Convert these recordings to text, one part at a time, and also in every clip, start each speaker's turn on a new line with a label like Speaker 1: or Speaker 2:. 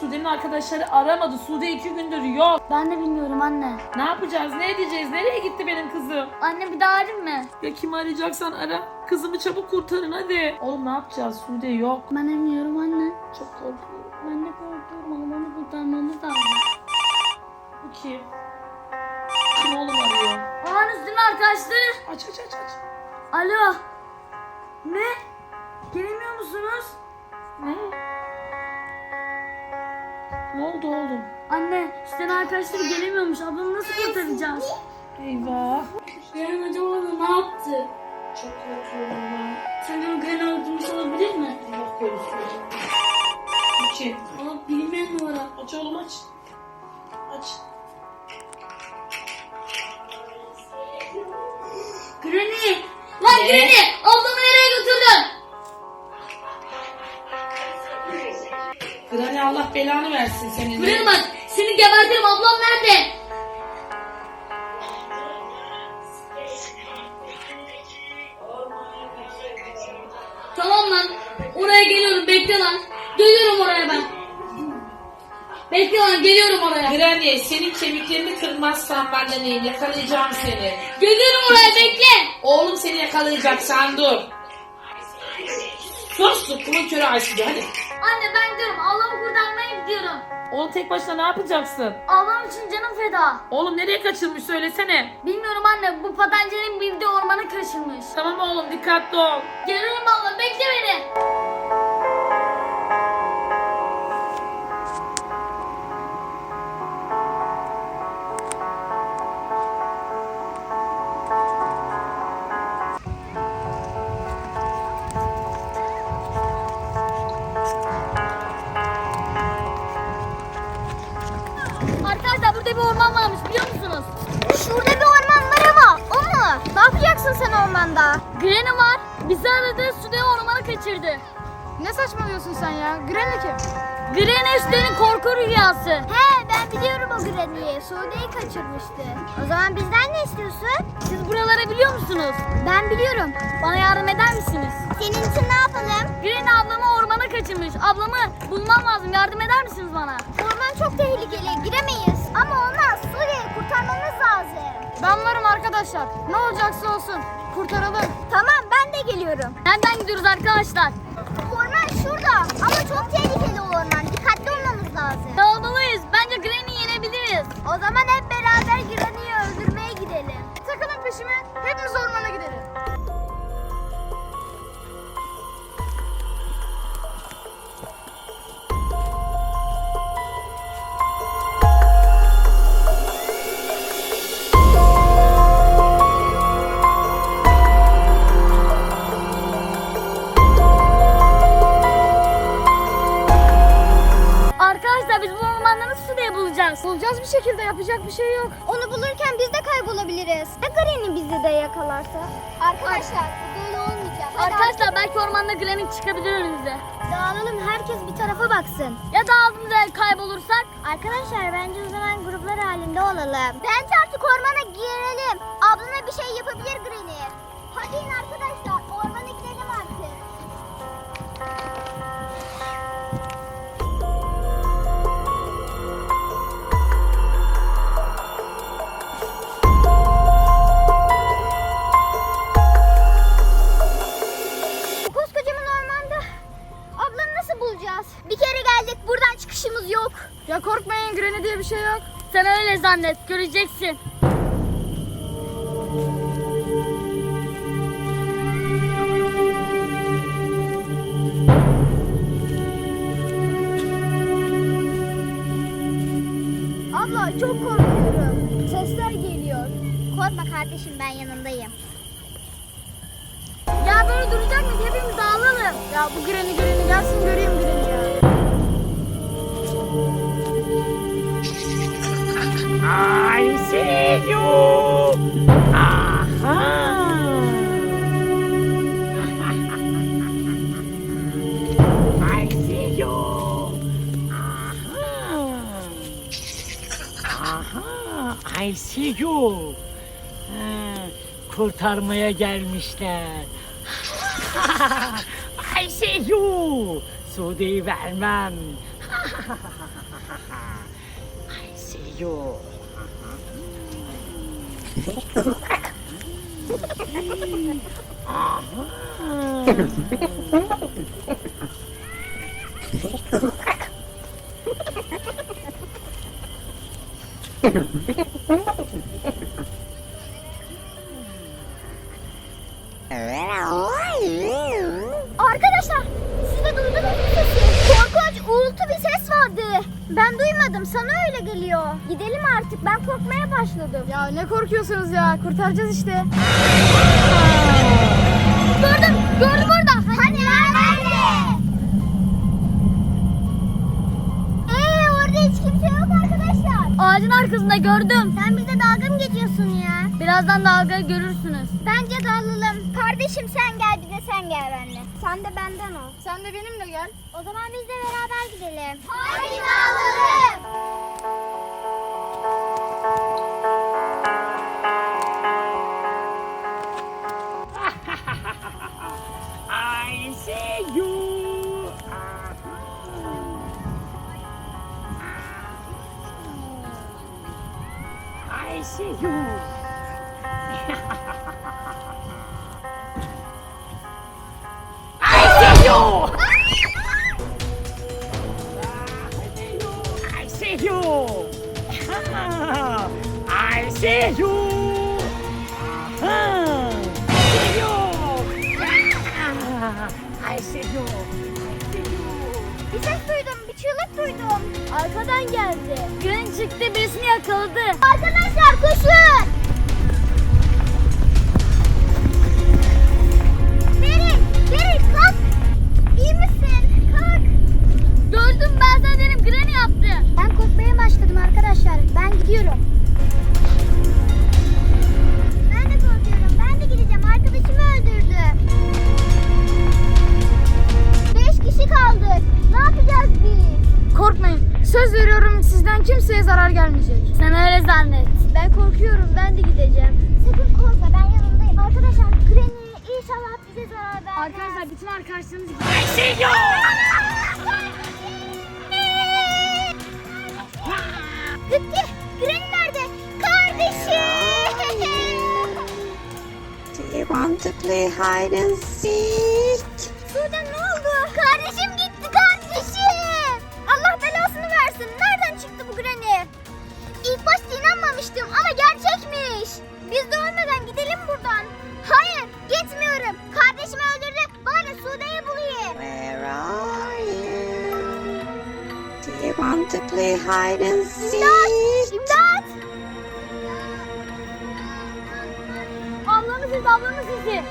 Speaker 1: Sude'nin arkadaşları aramadı. Sude 2 gündür yok.
Speaker 2: Ben de bilmiyorum anne.
Speaker 1: Ne yapacağız? Ne edeceğiz? Nereye gitti benim kızım?
Speaker 2: Anne bir daha arayayım mı?
Speaker 1: Ya kimi arayacaksan ara. Kızımı çabuk kurtarın hadi. Oğlum ne yapacağız? Sude yok.
Speaker 2: Ben bilmiyorum anne.
Speaker 1: Çok korkuyorum.
Speaker 2: Ben de korkuyorum. Ablamı kurtarmamız lazım.
Speaker 1: Bu kim? Kim oğlum arıyor?
Speaker 2: Ağın üstüne arkadaşlar.
Speaker 1: Aç aç aç aç.
Speaker 2: Alo. Ne? Gelemiyor musunuz?
Speaker 1: Ne? Ne oldu oğlum?
Speaker 2: Anne üstten arkadaşları gelemiyormuş. Ablamı nasıl kurtaracağız?
Speaker 1: Eyvah.
Speaker 2: Yarın acaba ne yaptı?
Speaker 1: Çok korkuyorum ben.
Speaker 2: Sanırım Gren öldürmüş olabilir mi?
Speaker 1: Allah korusun. Bu kim?
Speaker 2: Aa, bilinmeyen numara.
Speaker 1: Aç oğlum aç. Aç.
Speaker 2: Granny! Lan Granny! Ablamı nereye götürdün?
Speaker 1: Granny Allah belanı versin senin.
Speaker 2: Granny bak seni gebertirim, ablam nerede? Tamam lan. Oraya geliyorum, bekle lan. Geliyorum oraya ben. Bekle lan, geliyorum oraya.
Speaker 1: Granny senin kemiklerini kırmazsan ben de neyim? Yakalayacağım seni.
Speaker 2: Geliyorum oraya, bekle.
Speaker 1: Oğlum seni yakalayacak sen dur. Sus kulun körü Ayşe hadi.
Speaker 2: Anne ben gidiyorum, ablamı kurtarmaya gidiyorum.
Speaker 1: Oğlum tek başına ne yapacaksın?
Speaker 2: Ablam için canım feda.
Speaker 1: Oğlum nereye kaçırmış söylesene.
Speaker 2: Bilmiyorum anne, bu patencenin bildiği ormanı kaçırmış.
Speaker 1: Tamam oğlum dikkatli ol.
Speaker 2: Geliyorum abla, bekle beni. Arkadaşlar burada bir orman varmış, biliyor musunuz?
Speaker 3: Şurada bir orman var ama o mu? Ne yapacaksın sen ormanda?
Speaker 2: Granny var. Bizi aradı, Sude'yi ormana kaçırdı.
Speaker 3: Ne saçmalıyorsun sen ya? Granny kim?
Speaker 2: Granny Sude'nin korku rüyası.
Speaker 3: He ben biliyorum o Granny'yi. Sude'yi kaçırmıştı. O zaman bizden ne istiyorsun?
Speaker 2: Siz buraları biliyor musunuz?
Speaker 3: Ben biliyorum.
Speaker 2: Bana yardım eder misiniz?
Speaker 3: Senin için ne yapalım?
Speaker 2: Granny ablamı ormana kaçırmış. Ablamı bulmam lazım. Yardım eder misiniz bana?
Speaker 3: Orman çok tehlikeli. Giremeyiz. Ama olmaz. Sude'yi kurtarmamız lazım.
Speaker 2: Ben varım arkadaşlar. Ne olacaksa olsun. Kurtaralım.
Speaker 3: Tamam ben de geliyorum.
Speaker 2: Nereden gidiyoruz arkadaşlar?
Speaker 3: Orman şurada. Ama çok tehlikeli o orman. Dikkatli olmamız lazım.
Speaker 2: Dağılmalıyız. Bence Granny'i yenebiliriz.
Speaker 3: O zaman hep beraber Granny'yi öldürmeye gidelim. Takılın peşime. Hepimiz ormana gidelim.
Speaker 2: Arkadaşlar biz bu ormanda nasıl Sude'yi bulacağız?
Speaker 3: Bulacağız bir şekilde, yapacak bir şey yok. Onu bulurken biz de kaybolabiliriz. Ya Granny bizi de yakalarsa? Arkadaşlar bu böyle olmayacak.
Speaker 2: Arkadaşlar belki ormanda Granny çıkabilir önümüze.
Speaker 3: Dağılalım, herkes bir tarafa baksın.
Speaker 2: Ya dağılımda kaybolursak?
Speaker 3: Arkadaşlar bence o zaman gruplar halinde olalım. Bence artık ormana girelim. Ablana bir şey yapabilir Granny. Hadi in arkadaşlar, ormana gidelim artık. Koskocaman ormanda ablanı nasıl bulacağız? Bir kere geldik, buradan çıkışımız yok.
Speaker 2: Ya korkmayın, Granny diye bir şey yok. Sen öyle zannet, göreceksin.
Speaker 3: Abla çok korkuyorum. Sesler geliyor. Korkma kardeşim, ben yanındayım.
Speaker 2: Ya böyle duracak mıyız? Hepimiz dağılalım.
Speaker 3: Ya bu Granny gelsin göreyim Granny ya.
Speaker 4: I see you. Aha. I see you. Aha. I see you. Kurtarmaya gelmişler. I see you. Sude'yi vermem. I see you.
Speaker 3: Arkadaşlar siz de duydunuz mu sesi? Korkunç uğultu bir ses vardı. Ben duymadım, sana öyle geliyor. Gidelim artık, ben korkmaya başladım.
Speaker 5: Ya ne korkuyorsunuz ya? Kurtaracağız işte.
Speaker 3: Gördüm orada. Hani nerede? Orada hiç kimse yok arkadaşlar.
Speaker 2: Ağacın arkasında gördüm.
Speaker 3: Sen bize dalga mı geçiyorsun ya?
Speaker 2: Birazdan dalgayı görürsünüz.
Speaker 3: Bence dalalım. Kardeşim sen gel, bir de sen gel benimle. Sen de benden ol.
Speaker 5: Sen de benimle gel.
Speaker 3: O zaman biz de beraber gidelim. Hadi dalalım.
Speaker 4: I see you. I see you. I see you. I see you. I see you. I see you.
Speaker 3: Bir ses duydum, bir çığlık duydum.
Speaker 2: Arkadan geldi. Gün çıktı, birisini yakaladı.
Speaker 3: Arkadaşlar koşun. Derin kalk. İyi misin? Kalk.
Speaker 2: Gördüm, ben sana dedim, Granny yaptı.
Speaker 3: Ben korkmaya başladım arkadaşlar. Ben gidiyorum. Ben de korkuyorum. Ben de gideceğim. Arkadaşımı öldürdü. 5 kişi kaldık. Ne yapacağız biz?
Speaker 5: Korkmayın. Söz veriyorum sizden kimseye zarar gelmeyecek.
Speaker 2: Sen öyle zannet.
Speaker 3: Ben korkuyorum. Ben de gideceğim. Sakın korkma. Ben yanındayım. Arkadaşlar Granny inşallah bize zarar vermez.
Speaker 5: Arkadaşlar bütün arkadaşlarınız
Speaker 4: I see you.
Speaker 3: Gitti. Granny nerede? Kardeşim.
Speaker 6: Do you want to play hide and seek?
Speaker 3: Sude ne oldu? Kardeşim gitti kardeşim. Allah belasını versin. Nereden çıktı bu Granny? İlk başta inanmamıştım ama gerçekmiş. Biz de ölmeden gidelim buradan. Hayır gitmiyorum. Kardeşimi öldürdü. Bari Sude'yi bulayım.
Speaker 6: Where are you? Do you want to play hide and seek?
Speaker 3: İmdat!
Speaker 2: Ablamın sesi, ablamın sesi.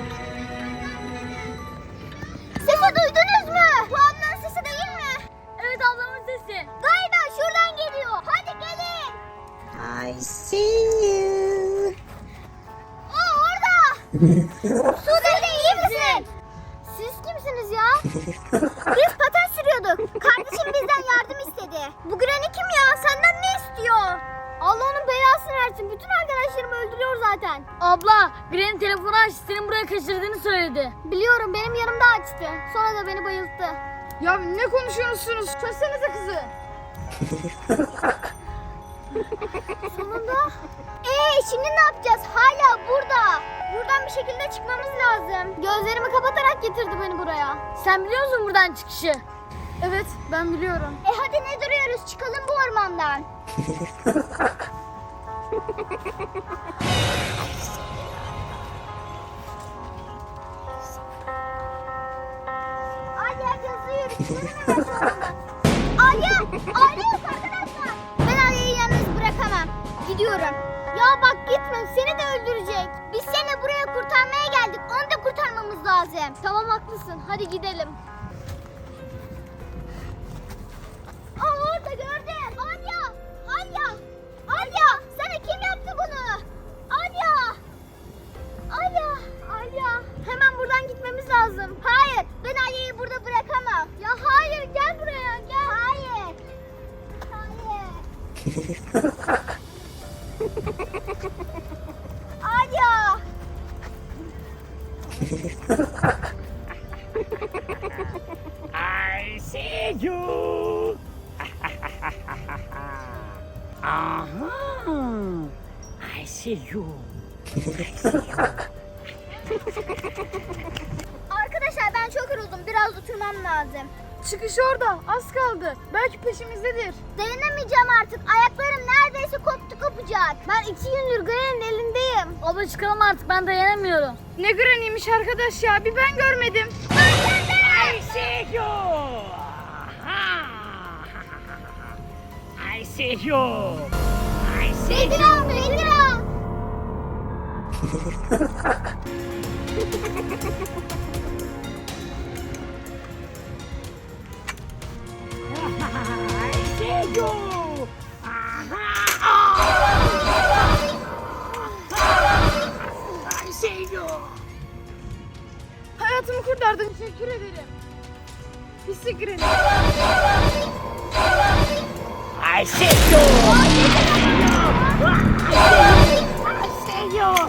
Speaker 3: Sesi duydunuz mu? Bu ablanın sesi değil mi?
Speaker 2: Evet, ablamın sesi.
Speaker 3: Galiba şuradan geliyor. Hadi gelin.
Speaker 6: I see you.
Speaker 3: O orada. Sude iyi misin? Siz kimsiniz ya? Biz paten sürüyorduk. Kardeşim bizden yardım istedi. Bu Granny kim ya? Senden ne istiyor? Allah onun belasını versin. Bütün arkadaşlarımı öldürüyor zaten.
Speaker 2: Abla, Granny telefonu açtı, senin buraya kaçırdığını söyledi.
Speaker 3: Biliyorum benim yanımda açtı. Sonra da beni bayılttı.
Speaker 5: Ya ne konuşuyorsunuz? Çözsenize kızı.
Speaker 3: Sonunda. Şimdi ne yapacağız? Hala burada. Buradan bir şekilde çıkmamız lazım. Gözlerimi kapatarak getirdi beni buraya.
Speaker 2: Sen biliyor musun buradan çıkışı?
Speaker 5: Evet ben biliyorum.
Speaker 3: Hadi ne duruyoruz? Çıkalım bu ormandan. Alya hızlı yürü. Çıkalım hemen şu ormandan. Alya yok arkadaşlar. Ben Alya'yı yalnız bırakamam. Gidiyorum. Ya bak gitme, seni de öldürecek. Biz seni buraya kurtarmaya geldik. Onu da kurtarmamız lazım.
Speaker 2: Tamam, haklısın. Hadi gidelim.
Speaker 3: Orada gördüm. Alya, sana kim yaptı bunu? Alya. Hemen buradan gitmemiz lazım. Hayır, ben Alya'yı burada bırakamam. Ya hayır, gel buraya, gel. Hayır. Alya.
Speaker 4: I see you. see you.
Speaker 3: Arkadaşlar ben çok yoruldum. Biraz oturmam lazım.
Speaker 5: Çıkış orada. Az kaldı. Belki peşimizdedir.
Speaker 3: Dayanamayacağım artık. Ayaklarım neredeyse kopacak. Ben 2 gündür Granny'nin elindeyim.
Speaker 2: Abla çıkalım artık, ben dayanamıyorum.
Speaker 5: Ne Granny'miş arkadaş ya. Bir ben görmedim.
Speaker 4: I see you. I see you. I see you.
Speaker 3: Bedirhan, Bedirhan.
Speaker 4: I see you. I see you.
Speaker 5: Hayatımı kurtardın. Teşekkür ederim. Pisi Granny.
Speaker 4: I see you. I see you.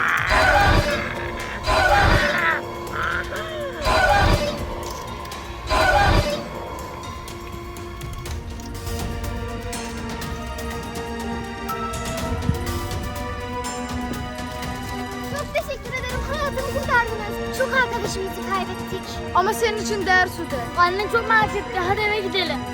Speaker 3: Çok teşekkür ederim. Hayatımı kurtardınız. Çok arkadaşımızı kaybettik.
Speaker 5: Ama senin için değer Sude.
Speaker 2: Annen çok merak etti, hadi eve gidelim.